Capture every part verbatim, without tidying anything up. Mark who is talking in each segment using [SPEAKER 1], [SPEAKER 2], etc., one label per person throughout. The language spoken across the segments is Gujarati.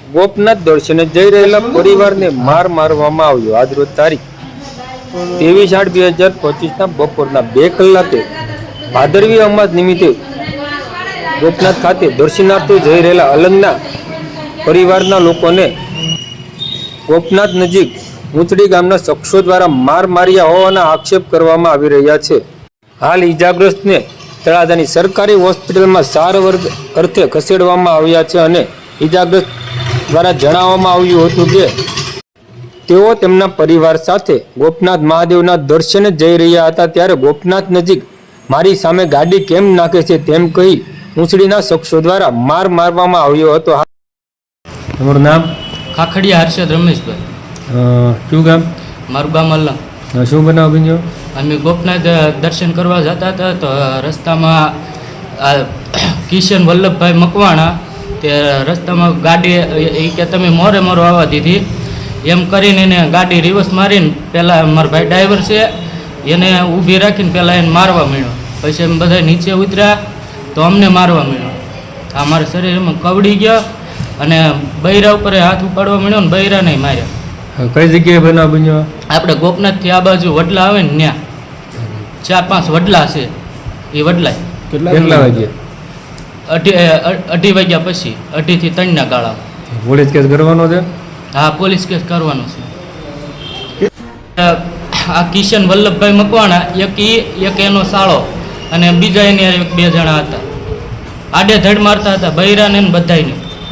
[SPEAKER 1] ગોપનાથ દર્શને જઈ રહેલા પરિવારને માર મારવામાં આવ્યો। આજરોજ તારીખ ત્રેવીસ આઠ બે હજાર પચીસના બપોરના બે કલાકે ભાદરવી અમાસ નિમિત્તે ગોપનાથ ખાતે દર્શનાર્થે જઈ રહેલા અલંગના પરિવારના લોકોને ગોપનાથ નજીક ઊંચડી ગામના શખ્સો દ્વારા માર માર્યા હોવાના આક્ષેપ કરવામાં આવી રહ્યા છે। હાલ ઈજાગ્રસ્તને તળાજાની સરકારી હોસ્પિટલમાં સારવાર અર્થે ખસેડવામાં આવ્યા છે અને ઈજાગ્રસ્ત દ્વારા જણાવવામાં આવ્યું હતું કે તેઓ તેમના પરિવાર સાથે ગોપનાથ મહાદેવના દર્શને જઈ રહ્યા હતા, ત્યારે ગોપનાથ નજીક મારી સામે ગાડી કેમ નાખે છે તેમ કહી ઊંચડીના શખ્સો દ્વારા માર મારવામાં આવ્યો હતો। તમારું નામ?
[SPEAKER 2] ખાખડિયા હર્ષદ રમેશભાઈ।
[SPEAKER 1] શું ગામ?
[SPEAKER 2] મારું ગામ અલંગ।
[SPEAKER 1] શું બનાવ બન્યો?
[SPEAKER 2] અમે ગોપનાથ દર્શન કરવા જતા હતા તો રસ્તામાં આ કિશન વલ્લભભાઈ મકવાણા તે રસ્તામાં ગાડી એ કે તમે મોરે મોરો આવવા દીધી એમ કરીને એને ગાડી રિવર્સ મારીને પહેલાં મારા ભાઈ ડ્રાઈવર છે એને ઊભી રાખીને પહેલાં એને મારવા માંડ્યો, પછી એમ બધા નીચે ઉતર્યા તો અમને મારવા માંડ્યો। આ મારા શરીરમાં કવડી ગયો અને બૈરા ઉપર હાથ ઉપાડવા માંડ્યો ને બૈરા નહીં માર્યા।
[SPEAKER 1] કઈ જગ્યાએ બનાવ બન્યો?
[SPEAKER 2] આપણે ગોપનાથથી આ બાજુ વડલા આવે ને ત્યાં ચાર પાંચ વડલા છે એ વડલા
[SPEAKER 1] કેટલા વાગ્યા?
[SPEAKER 2] અઢી અઢી વાગ્યા પછી અઢીથી ત્રણના ગાળા।
[SPEAKER 1] પોલીસ કેસ કરવાનો છે?
[SPEAKER 2] હા, પોલીસ કેસ કરવાનો છે। આ કિશન વલ્લભભાઈ મકવાણા એક ઈ એક એનો સાળો અને બીજા એની એક બે જણા હતા, આડે ધડ મારતા હતા બૈરાને ને બધાને।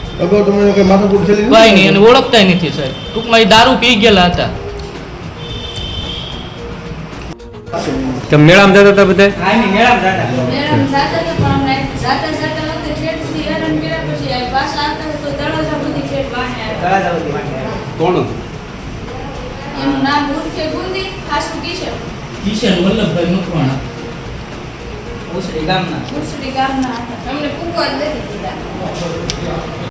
[SPEAKER 2] કઈ નહીં, એને ઓળખતા નથી સાહેબ, ટૂંકમાં એ દારૂ પી ગયેલા હતા।
[SPEAKER 1] તમે મેળામાં જતા હતા બધા?
[SPEAKER 3] હા, ની મેળામાં જતા મેળામાં જતા તો પણ અમને જાતા જાતા વખતે છેટ સુધી હેરાન કર્યા, પછી આ પાછા આવતા તો તળાજા બધી છેટ વાહે આવ્યા। તળાજા બધી વાહે આવ્યા। કોણ હતું? એનું નામ ઉર્ફે ગુંદી હાસુ કિશન
[SPEAKER 2] કિશન વલ્લભભાઈ મકવાણા
[SPEAKER 3] ઉસડી ગામના ઉસડી ગામના હતા। અમને પૂકવા જ નથી દીધા।